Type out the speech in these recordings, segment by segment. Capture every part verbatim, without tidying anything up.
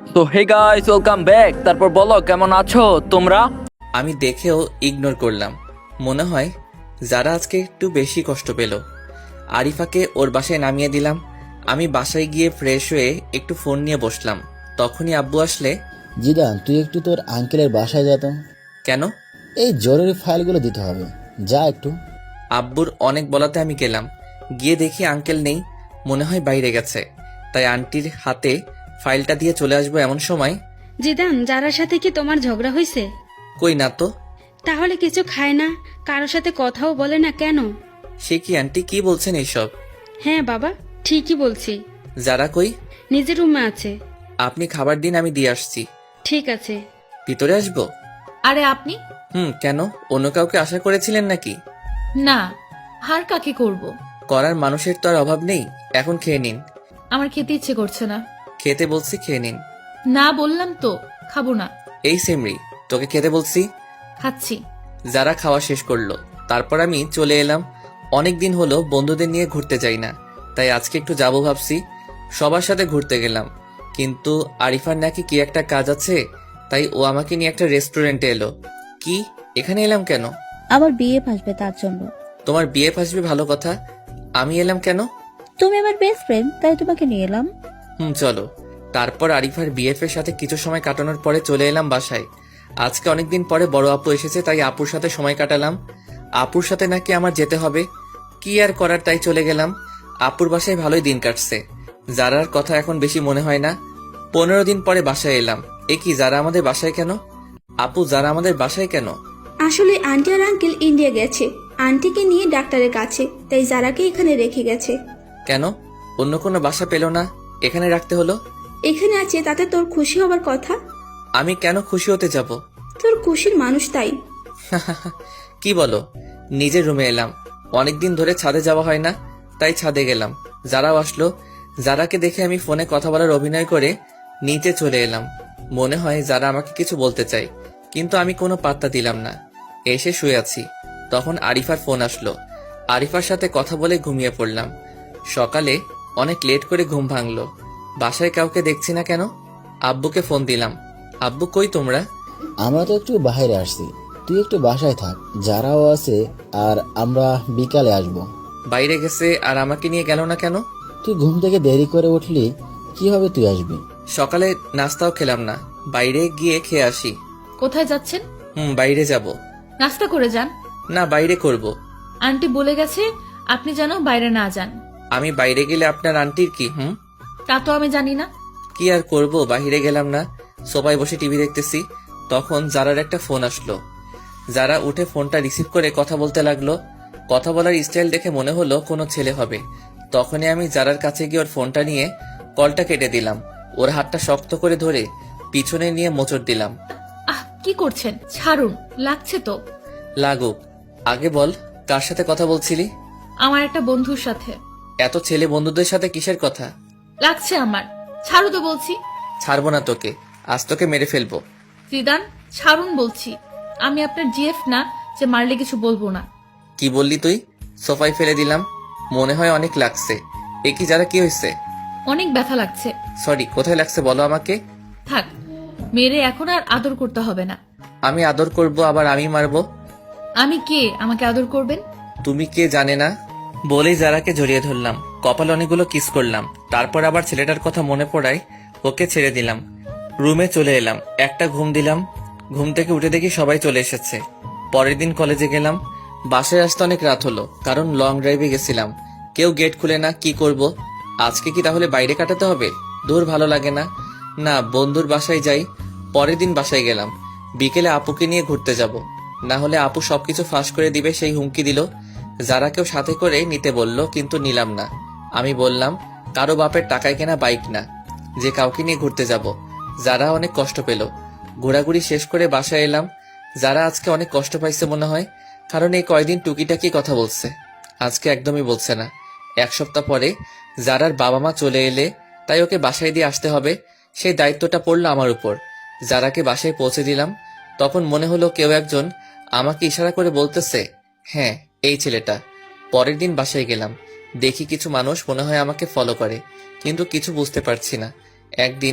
তো hey guys, welcome back. তারপর বলো কেমন আছো তোমরা? আমি দেখেও ইগনোর করলাম। মনে হয় যারা আজকে একটু বেশি কষ্ট পেল। আরিফাকে ওর বাসায় নামিয়ে দিলাম। আমি বাসায় গিয়ে ফ্রেশ হয়ে একটু ফোন নিয়ে বসলাম। তখনই আব্বু আসলে। জিদান, তুই একটু তোর আঙ্কেলের বাসায় যা তো। কেন? এই জরুরি ফাইলগুলো দিতে হবে, যা একটু। আব্বুর অনেক বলাতে আমি গেলাম। গিয়ে দেখি আঙ্কেল নেই, মনে হয় বাইরে গেছে। তাই আন্টির হাতে ফাইলটা দিয়ে চলে আসবো এমন সময়। জিদান, যারার সাথে কি তোমার ঝগড়া হয়েছে? কই না তো। তাহলে কিছু খায় না, কারোর সাথে কথাও বলে না কেন? সে কি আন্টি, কি বলছেন এইসব? হ্যাঁ বাবা, ঠিকই বলছি। যারা কই? নিজের রুমে আছে। আপনি খাবার দিন, আমি দিয়ে আসছি। ঠিক আছে। ভিতরে আসবো? আরে আপনি? হুম, কেন? অন্য কাউকে আশা করেছিলেন নাকি? না, হার কাকে করব। করার মানুষের তো আর অভাব নেই। এখন খেয়ে নিন। আমার খেতে ইচ্ছে করছে না। খেতে বলছি, খেয়ে নিন। না বললাম তো, খাবো না। এই সেমরি, তোকে খেতে বলছি। খাচ্ছি। যারা খাওয়া শেষ করলো, তারপর আমি চলে এলাম। অনেক দিন হলো বন্ধুদের নিয়ে ঘুরতে যাই না, তাই আজকে একটু যাবো ভাবছি। সবার সাথে ঘুরতে গেলাম, কিন্তু আরিফার নাকি কি একটা কাজ আছে, তাই ও আমাকে নিয়ে একটা রেস্টুরেন্টে এলো। কি, এখানে এলাম কেন? আমার বিয়ে আসবে তার জন্য। তোমার বিয়ে আসবে, ভালো কথা। আমি এলাম কেন? তুমি আমার বেস্ট ফ্রেন্ড, তাই তোমাকে নিয়ে এলাম। হুম, চলো। তারপর আরিফার বিএফ এর সাথে কিছু সময় কাটানোর পরে চলে এলাম বাসায়। আজকে অনেকদিন পরে বড় আপু এসেছে, তাই আপুর সাথে সময় কাটালাম। আপুর সাথে নাকি আমার যেতে হবে, কি আর করার, তাই চলে গেলাম। আপুর বাসায় ভালোই দিন কাটছে। জারার কথা এখন বেশি মনে হয় না। পনেরো দিন পরে বাসায় এলাম। এ কি, যারা আমাদের বাসায় কেন? আপু, যারা আমাদের বাসায় কেন? আসলে আন্টি আর আঙ্কেল ইন্ডিয়া গেছে আন্টিকে নিয়ে ডাক্তারের কাছে, তাই যারাকে এখানে রেখে গেছে। কেন? অন্য কোনো বাসা পেল না, এখানে রাখতে হলো? এখানে আছে তাতে তোর খুশি হবার কথা। আমি কেন খুশি হতে যাব? তোর খুশির মানুষ তাই। কি বলো? নিজের রুমে এলাম। অনেকদিন ধরে ছাদে যাওয়া হয় না, তাই ছাদে গেলাম। যারাও আসলো। যারাকে দেখে আমি ফোনে কথা বলার অভিনয় করে নিচে চলে এলাম। মনে হয় যারা আমাকে কিছু বলতে চাই, কিন্তু আমি কোনো পাত্তা দিলাম না। এসে শুয়ে আছি, তখন আরিফার ফোন আসলো। আরিফার সাথে কথা বলে ঘুমিয়ে পড়লাম। সকালে অনেক লেট করে ঘুম ভাঙলো। বাসায় কাউকে দেখছি না কেন। আব্বুকে ফোন দিলাম। আব্বু, কই তোমরা? আমরা তো একটু বাইরে আসছি, তুই একটু বাসায় থাক, যারাও আছে, আর আমরা বিকালে আসব। বাইরে গেছে আর আমাকে নিয়ে গেল না কেন? তুই ঘুম থেকে দেরি করে উঠলি, কিভাবে তুই আসবি? সকালে নাস্তাও খেলাম না, বাইরে গিয়ে খেয়ে আসি। কোথায় যাচ্ছেন? হুম, বাইরে যাব। নাস্তা করে যান। না, বাইরে করব। আন্টি বলে গেছে আপনি যেন বাইরে না যান। আমি বাইরে গেলে আপনার আন্টির কি? হুম, তা তো আমি জানি না। কি আর করব, বাইরে গেলাম না, সোফায় বসে টিভি দেখতেছি। তখন জারার একটা ফোন আসলো। যারা উঠে ফোনটা রিসিভ করে কথা বলতে লাগলো। কথা বলার স্টাইল দেখে মনে হলো কোনো ছেলে হবে। তখনই আমি জারার কাছে গিয়ে ওর ফোনটা নিয়ে কলটা কেটে দিলাম। ওর হাতটা শক্ত করে ধরে পিছনে নিয়ে মোচড় দিলাম। আহ, কি করছেন? ছাড়ুন, লাগছে তো। লাগুক, আগে বল কার সাথে কথা বলছিলি? আমার একটা বন্ধুর সাথে। এত ছেলে বন্ধুদের সাথে কিসের কথা? লাগছে আমার। ছাড়ু তো বলছি। ছাড়বো না তোকে, আজ তোকে মেরে ফেলবো। জিদান, ছাড়ুন বলছি। আমি আপনার জিএফ না যে মারলে কিছু বলবো না। কি বললি তুই? সোফায় ফেলে দিলাম। মনে হয় অনেক লাগছে। এ কি, যারা কি হয়েছে? অনেক ব্যথা লাগছে। সরি, কোথায় লাগছে বলো আমাকে। থাক, মেরে এখন আর আদর করতে হবে না। আমি আদর করব, আবার আমি মারবো? আমি কে আমাকে আদর করবেন? তুমি কে জানে না। বলেই যারাকে জড়িয়ে ধরলাম, কপাল অনেকগুলো কিস করলাম। তারপর আবার ছেলেটার কথা মনে পড়ায় ওকে ছেড়ে দিলাম। রুমে চলে এলাম, একটা ঘুম দিলাম। ঘুম থেকে উঠে দেখি সবাই চলে এসেছে। পরের দিন কলেজে গেলাম। বাসায় আসতে অনেক রাত হলো, কারণ লং ড্রাইভে গেছিলাম। কেউ গেট খুলে না, কি করব? আজকে কি তাহলে বাইরে কাটাতে হবে? দূর, ভালো লাগে না। না, বন্ধুর বাসায় যাই। পরের দিন বাসায় গেলাম। বিকেলে আপুকে নিয়ে ঘুরতে যাব, না হলে আপু সবকিছু ফাঁস করে দিবে, সেই হুমকি দিল। যারা কেউ সাথে করে নিতে বলল, কিন্তু নিলাম না। আমি বললাম কারো বাপের টাকায় কেনা বাইক না যে কাউকে নিয়ে ঘুরতে যাব। যারা অনেক কষ্ট পেল। ঘোরাঘুরি শেষ করে বাসায় এলাম। যারা আজকে অনেক কষ্ট পাইছে মনে হয়, কারণ এই কয়দিন টুকিটাকি কথা বলছে, আজকে একদমই বলছে না। এক সপ্তাহ পরে যারার বাবা মা চলে এলে, তাই ওকে বাসায় দিয়ে আসতে হবে, সেই দায়িত্বটা পড়লো আমার উপর। যারাকে বাসায় পৌঁছে দিলাম, তখন মনে হলো কেউ একজন আমাকে ইশারা করে বলতেছে, হ্যাঁ, এই ছেলেটা। পরের দিন বাসায় গেলাম, দেখি কিছু মানুষ মনে হয় আমাকে ফলো করে, কিন্তু কিছু বুঝতে পারছি না। একদিন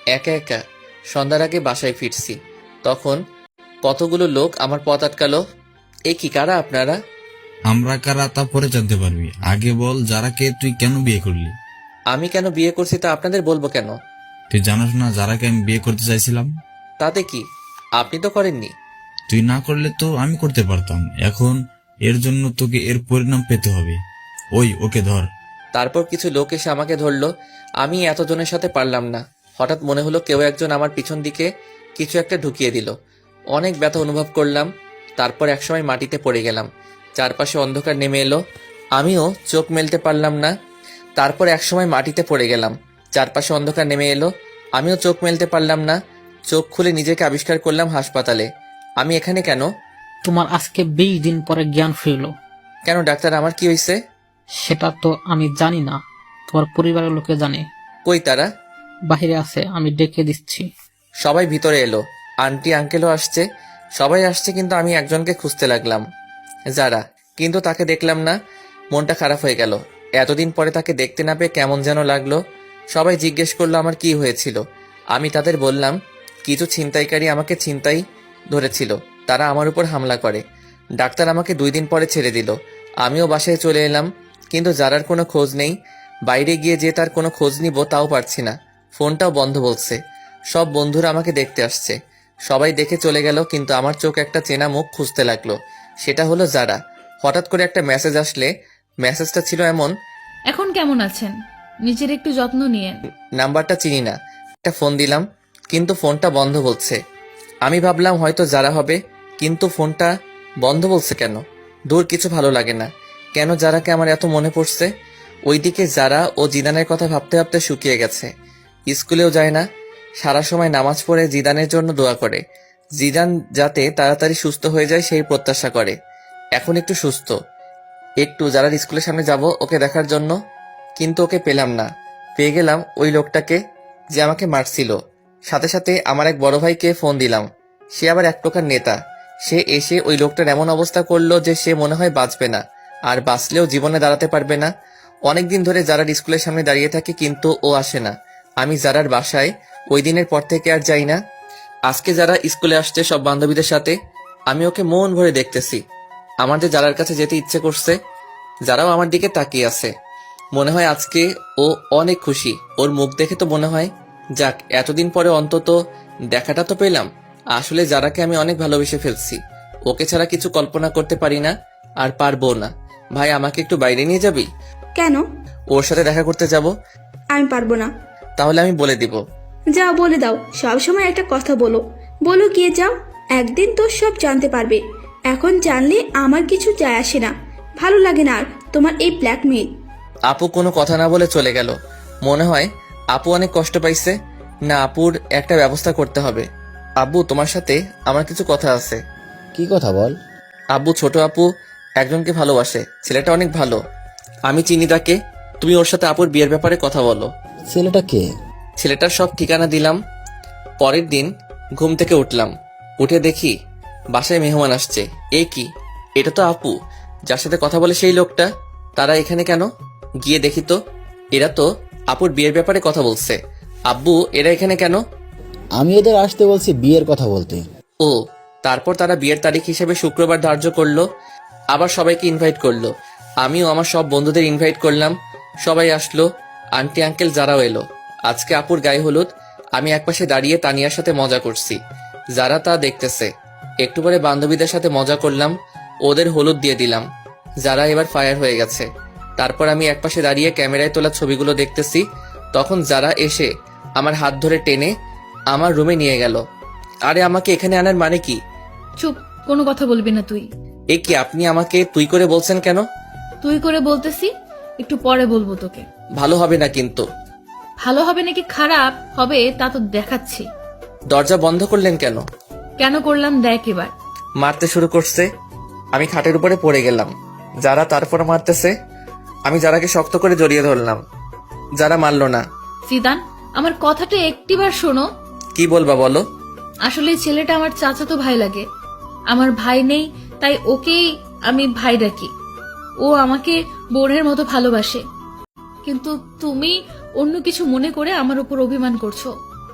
একা একা সন্ধ্যার আগে বাসায় ফিরছি, তখন কতগুলো লোক আমার পথ আটকালো। এ কি, কারা আপনারা? আমরা কারা তা পরে জানতে পারবি, আগে বল যারাকে তুই কেন বিয়ে করলি? আমি কেন বিয়ে করছি তা আপনাদের বলবো কেন? তুই জানাস না যারাকে আমি বিয়ে করতে চাইছিলাম? তাতে কি, আপনি তো করেননি। তুই না করলে তো আমি করতে পারতাম। এখন এর জন্য তোকে এর পরিণাম পেতে হবে। ওই ওকে ধর। তারপর কিছু লোক এসে আমাকে ধরলো। আমি এতজনের সাথে পারলাম না। হঠাৎ মনে হলো কেউ একজন আমার পিছন দিকে কিছু একটা ঢুকিয়ে দিল। অনেক ব্যথা অনুভব করলাম। তারপর একসময় মাটিতে পড়ে গেলাম। চারপাশে অন্ধকার নেমে এলো, আমিও চোখ মেলতে পারলাম না। তারপর একসময় মাটিতে পড়ে গেলাম, চারপাশে অন্ধকার নেমে এলো, আমিও চোখ মেলতে পারলাম না। চোখ খুলে নিজেকে আবিষ্কার করলাম হাসপাতালে। আমি এখানে কেন? তোমার আজকে বিশ দিন পরে জ্ঞান ফিরল। কেন ডাক্তার, আমার কি হয়েছে? সেটা তো আমি জানি না, তোমার পরিবারের লোকে জানে। কই তারা? বাহিরে আছে, আমি ডেকে দিচ্ছি। সবাই ভিতরে এলো। আন্টি আঙ্কেলও আসছে, সবাই আসছে, কিন্তু আমি একজনকে খুঁজতে লাগলাম, যারা। কিন্তু তাকে দেখলাম না। মনটা খারাপ হয়ে গেল। এতদিন পরে তাকে দেখতে না পেয়ে কেমন যেন লাগলো। সবাই জিজ্ঞেস করলো আমার কি হয়েছিল। আমি তাদের বললাম কিছু ছিনতাইকারী আমাকে ছিনতাই ধরেছিল, তারা আমার উপর হামলা করে। ডাক্তার আমাকে দুই দিন পরে ছেড়ে দিল। আমিও বাসায় চলে এলাম, কিন্তু যারার কোনো খোঁজ নেই। বাইরে গিয়ে যে তার কোনো খোঁজ নিব তাও পারছি না, ফোনটাও বন্ধ বলছে। সব বন্ধুরা আমাকে দেখতে আসছে, সবাই দেখে চলে গেল, কিন্তু আমার চোখ একটা চেনা মুখ খুঁজতে লাগলো। সেটা হলো যারা। হঠাৎ করে একটা মেসেজ আসলে, মেসেজটা ছিল এমন: এখন কেমন আছেন? নিজের একটু যত্ন নিয়েন। নাম্বারটা চিনি না, একটা ফোন দিলাম, কিন্তু ফোনটা বন্ধ বলছে। আমি ভাবলাম হয়তো যারা হবে, কিন্তু ফোনটা বন্ধ বলছে কেন? দূর, কিছু ভালো লাগে না। কেন যারাকে আমার এত মনে পড়ছে? ওইদিকে যারা ও জিদানের কথা ভাবতে ভাবতে শুকিয়ে গেছে। স্কুলেও যায় না, সারা সময় নামাজ পড়ে জিদানের জন্য দোয়া করে, জিদান যাতে তাড়াতাড়ি সুস্থ হয়ে যায় সেই প্রত্যাশা করে। এখন একটু সুস্থ, একটু যারা স্কুলের সামনে যাব ওকে দেখার জন্য, কিন্তু ওকে পেলাম না। পেয়ে গেলাম ওই লোকটাকে যে আমাকে মারছিল। সাথে সাথে আমার এক বড় ভাইকে ফোন দিলাম, সে আবার এক প্রকার নেতা। সে এসে ওই লোকটার এমন অবস্থা করলো যে সে মনে হয় বাঁচবে না, আর বাঁচলেও জীবনে দাঁড়াতে পারবে না। অনেকদিন ধরে যারার স্কুলের সামনে দাঁড়িয়ে থাকে, কিন্তু ও আসে না। আমি যারার বাসায় ওই দিনের পর থেকে আর যাই না। আজকে যারা স্কুলে আসছে সব বান্ধবীদের সাথে, আমি ওকে মন ভরে দেখতেছি। আমার যে যারার কাছে যেতে ইচ্ছে করছে, যারাও আমার দিকে তাকিয়ে আছে। মনে হয় আজকে ও অনেক খুশি। ওর মুখ দেখে তো মনে হয় যাক, এতদিন পরে অন্তত দেখাটা তো পেলাম। আসলে যারাকে আমি অনেক ভালোবেসে ফেলছি, ওকে ছাড়া কিছু কল্পনা করতে পারি না, আর পারবো না। ভাই, আমাকে একটু বাইরে নিয়ে যাবি? কেন? ওর সাথে দেখা করতে যাব। আমি পারবো না। তাহলে আমি বলে দিব। যাও, বলে দাও। সব সময় একটা কথা বলো বলো গিয়ে যাও। একদিন তো সব জানতে পারবে। এখন জানলে আমার কিছু যায় আসে না। ভালো লাগে না আর তোমার এই ব্ল্যাকমেইল। আপু কোনো কথা না বলে চলে গেল। মনে হয় আপু অনেক কষ্ট পাইছে। না, আপুর একটা ব্যবস্থা করতে হবে। আব্বু, তোমার সাথে আমার কিছু কথা আছে। কি কথা বল? আব্বু, ছোট আপু একজনকে ভালোবাসে, ছেলেটা অনেক ভালো। আমি চিনি তাকে। তুমি ওর সাথে আপুর বিয়ের ব্যাপারে কথা বলো। ছেলেটা কে? ছেলেটার সব ঠিকানা দিলাম। পরের দিন ঘুম থেকে উঠলাম, উঠে দেখি বাসায় মেহমান আসছে। এ কি, এটা তো আপু যার সাথে কথা বলে সেই লোকটা। তারা এখানে কেন? গিয়ে দেখি তো, এরা তো আপুর বিয়ের ব্যাপারে কথা বলছে। আব্বু, এরা এখানে কেন? আমি এদের আসতে বলছি বিয়ের কথা বলতে। ও, তারপর তারা বিয়ের তারিখ হিসেবে শুক্রবার ধার্য করলো। আবার সবাইকে ইনভাইট করলো। আমিও আমার সব বন্ধুদের ইনভাইট করলাম। সবাই আসলো, আন্টি আঙ্কেল যারাও এলো। আজকে আপুর গায়ে হলুদ। আমি একপাশে দাঁড়িয়ে তানিয়ার সাথে মজা করছি, যারা তা দেখতেছে। একটু পরে বান্ধবীদের সাথে মজা করলাম, ওদের হলুদ দিয়ে দিলাম। যারা এবার ফায়ার হয়ে গেছে। তারপর আমি একপাশে দাঁড়িয়ে ক্যামেরায় তোলা ছবিগুলো দেখতেছি। তখন যারা এসে আমার হাত ধরে টেনে আমার রুমে নিয়ে গেল। আরে, আমাকে এখানে আনার মানে কি? চুপ, কোনো কথা বলবি না তুই। এ কি, আপনি আমাকে তুই করে বলছেন কেন? তুই করে বলতেছি, একটু পরে বলবো তোকে। ভালো হবে না কিন্তু। ভালো হবে নাকি খারাপ হবে তা তো দেখাচ্ছি। দরজা বন্ধ করলেন কেন? কেন করলাম দেখ এবার। মারতে শুরু করছে। আমি খাটের উপরে পড়ে গেলাম। যারা তারপর মারতেছে। আমি যারাকে শক্ত করে জড়িয়ে ধরলাম। যারা মারলো না। সিদান, আমার কথাটা একটিবার শোনো। কি বলবা বলো? আসলে এই ছেলেটা আমার চাচাতো ভাই লাগে। আমার ভাই নেই, তাই ওকেই আমি ভাই ডাকি। ও আমাকে বোনের মতো ভালোবাসে, কিন্তু তুমি অন্য কিছু মনে করে আমার উপর অভিমান করছো।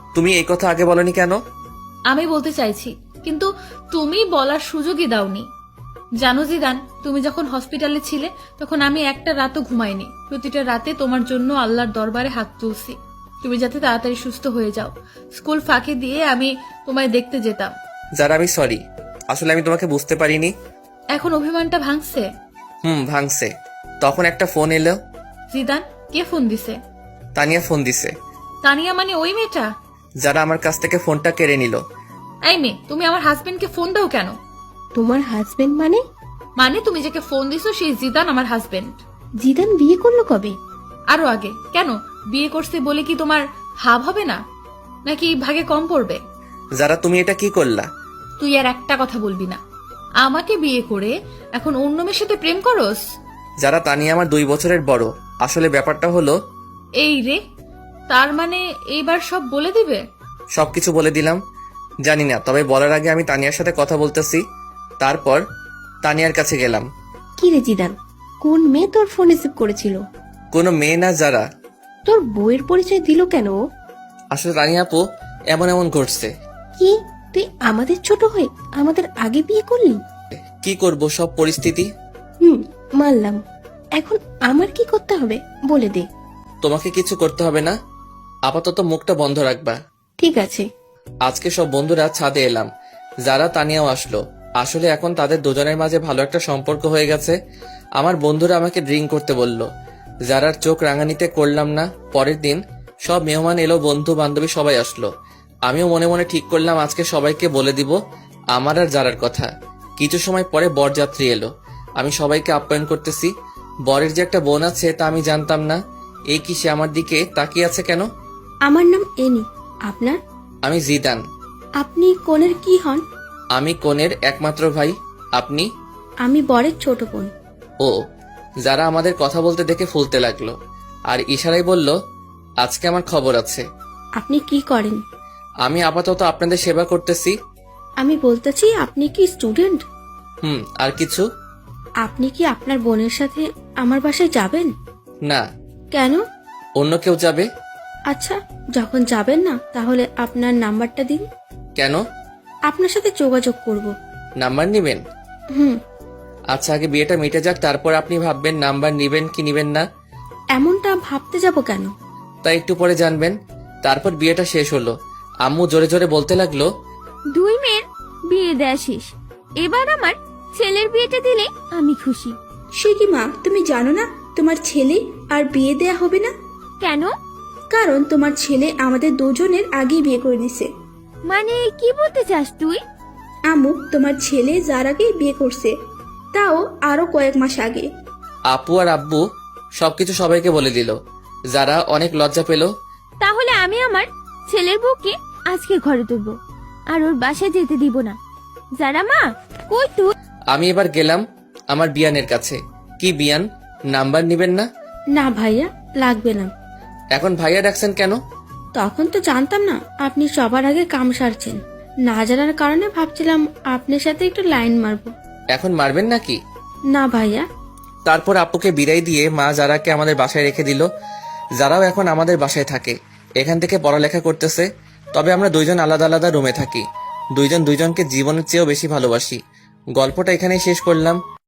তুমি এই কথা আগে বলনি কেন? আমি বলতে চাইছি, কিন্তু তুমি বলার সুযোগই দাওনি। জানো জিদান, তুমি যখন হসপিটালে ছিলে তখন আমি একটা রাতও ঘুমাইনি। প্রতিটা রাতে তোমার জন্য আল্লাহর দরবারে হাত তুলছি, তুমি যাতে তাড়াতাড়ি সুস্থ হয়ে যাও। স্কুল ফাঁকি দিয়ে আমি তোমায় দেখতে যেতাম। যারা আমি সরি, আসলে আমি তোমাকে বুঝতে পারিনি। এখন অভিমানটা ভাঙছে? হুম, ভাঙছে। তখন একটা ফোন এলো। জিদান, কে ফোন দিছে? তানিয়া ফোন দিছে। তানিয়া মানে ওই মেয়েটা? যারা আমার কাছ থেকে ফোনটা কেড়ে নিল। এই মেয়ে, তুমি আমার হাজবেন্ডকে ফোন দাও কেন? তোমার হাজবেন্ড মানে? মানে তুমি যাকে ফোন দিছো সেই জিদান আমার হাজবেন্ড। জিদান বিয়ে করলো কবে? আরো আগে। কেন, বিয়ে করছে বলে কি তোমার ভাব হবে না, নাকি ভাগে কম পড়বে? যারা তুমি এটা কি করলা? তুই আর একটা কথা বলবি না। আমাকে বিয়ে করে এখন অন্য মেয়ের সাথে প্রেম করস? যারা তানিয়া আমার দুই বছরের বড়। আসলে ব্যাপারটা হলো, এই রে, তার মানে এইবার সব বলে দিবে? সবকিছু বলে দিলাম। জানি না, তবে বলার আগে আমি তানিয়ার সাথে কথা বলতেছি। তারপর তানিয়ার কাছে গেলাম। কি রে জিদান, কোন মেয়ে তোর ফোন রিসিভ করেছিল? কোনো মেয়ে না, যারা। তোর বউয়ের পরিচয় দিল কেন? আসলে তানিয়া আপু, এমন এমন ঘটছে। কি, তুই আমাদের ছোট হয়ে আমাদের আগে বিয়ে করলি? কি করব, সব পরিস্থিতি। হুম, মানলাম। এখন আমার কি করতে হবে বলে দে। তোমাকে কিছু করতে হবে না, আপাতত মুখটা বন্ধ রাখবা। ঠিক আছে। আজকে সব বন্ধুরা ছাদে এলাম। যারা তানিয়াও আসলো। আসলে এখন তাদের দুজনের মাঝে ভালো একটা সম্পর্ক হয়ে গেছে। আমার বন্ধুরা আমাকে ড্রিঙ্ক করতে বলল। যারার চোখ রাঙানিতে করলাম না। পরের দিন সব মেহমান এলো, বন্ধু বান্ধবী সবাই আসলো। আমিও মনে মনে ঠিক করলাম আজকে সবাইকে বলে দিব আমার আর যারার কথা। কিছু সময় পরে বরযাত্রী এলো। আমি সবাইকে আপ্যায়ন করতেছি। বরের যে একটা বোন আছে তা আমি জানতাম না। এই কি, সে আমার দিকে তাকিয়ে আছে কেন? আমার নাম এনি। আপনার? আমি জিদান। আপনি কনের কি হন? আমি কনের একমাত্র ভাই। আপনি? আমি বরের ছোট বোন। ও। যারা আমাদের কথা বলতে দেখে ফুলতে লাগলো আর ইশারায় বলল, আজকে আমার খবর আছে। আপনি কি করেন? আমি আপাতত আপনাদের সেবা করতেছি। আমি বলতেছি, আপনি কি স্টুডেন্ট? হুম, আর কিছু? আপনি কি আপনার বোনের সাথে আমার বাসায় যাবেন? না। কেন? অন্য কেউ যাবে। আচ্ছা, যখন যাবেন না তাহলে আপনার নাম্বারটা দিন। কেন? আপনার সাথে যোগাযোগ করব। নাম্বার নিবেন? হুম। আচ্ছা, আগে বিয়েটা মিটে যাক, তারপর আপনি ভাববেন নাম্বার নিবেন কি নিবেন না। এমনটা ভাবতে যাব কেন? তাই একটু পরে জানবেন। তারপর বিয়েটা শেষ হলো। আম্মু জোরে জোরে বলতে লাগলো, দুই মেয়ের বিয়ে দেয়া শেষ, এবার আমার ছেলের বিয়েটা দিলে আমি খুশি। সে কি মা, তুমি জানো না তোমার ছেলে আর বিয়ে দেয়া হবে না? কেন? কারণ তোমার ছেলে আমাদের দুজনের আগেই বিয়ে করে দিছে। মানে কি বলতে চাস তুই? আম্মু, তোমার ছেলে যার আগেই বিয়ে করছে, তাও আরো কয়েক মাস আগে। আপু আর আব্বু সবকিছু সবাইকে বলে দিল। যারা অনেক লজ্জা পেল। তাহলে আমি আমার ছেলের বউকে আজকে ঘরে তুলবো আর ওর বাসায় যেতে দিব না। যারা মা, কই তুই? আমি এবার গেলাম আমার বিয়ানের কাছে। কি বিয়ান, নাম্বার নিবেন না? না ভাইয়া, লাগবে না। এখন ভাইয়া ডাকছেন কেন? তখন তো জানতাম না আপনি সবার আগে কাম সারছেন। না জানার কারণে ভাবছিলাম আপনার সাথে একটু লাইন মারবো। এখন মারবেন নাকি? না ভাইয়া। তারপর আপুকে বিদায় দিয়ে মা যারাকে আমাদের বাসায় রেখে দিল। যারাও এখন আমাদের বাসায় থাকে, এখান থেকে পড়ালেখা করতেছে। তবে আমরা দুইজন আলাদা আলাদা রুমে থাকি। দুইজন দুইজনকে জীবনের চেয়েও বেশি ভালোবাসি। গল্পটা এখানেই শেষ করলাম।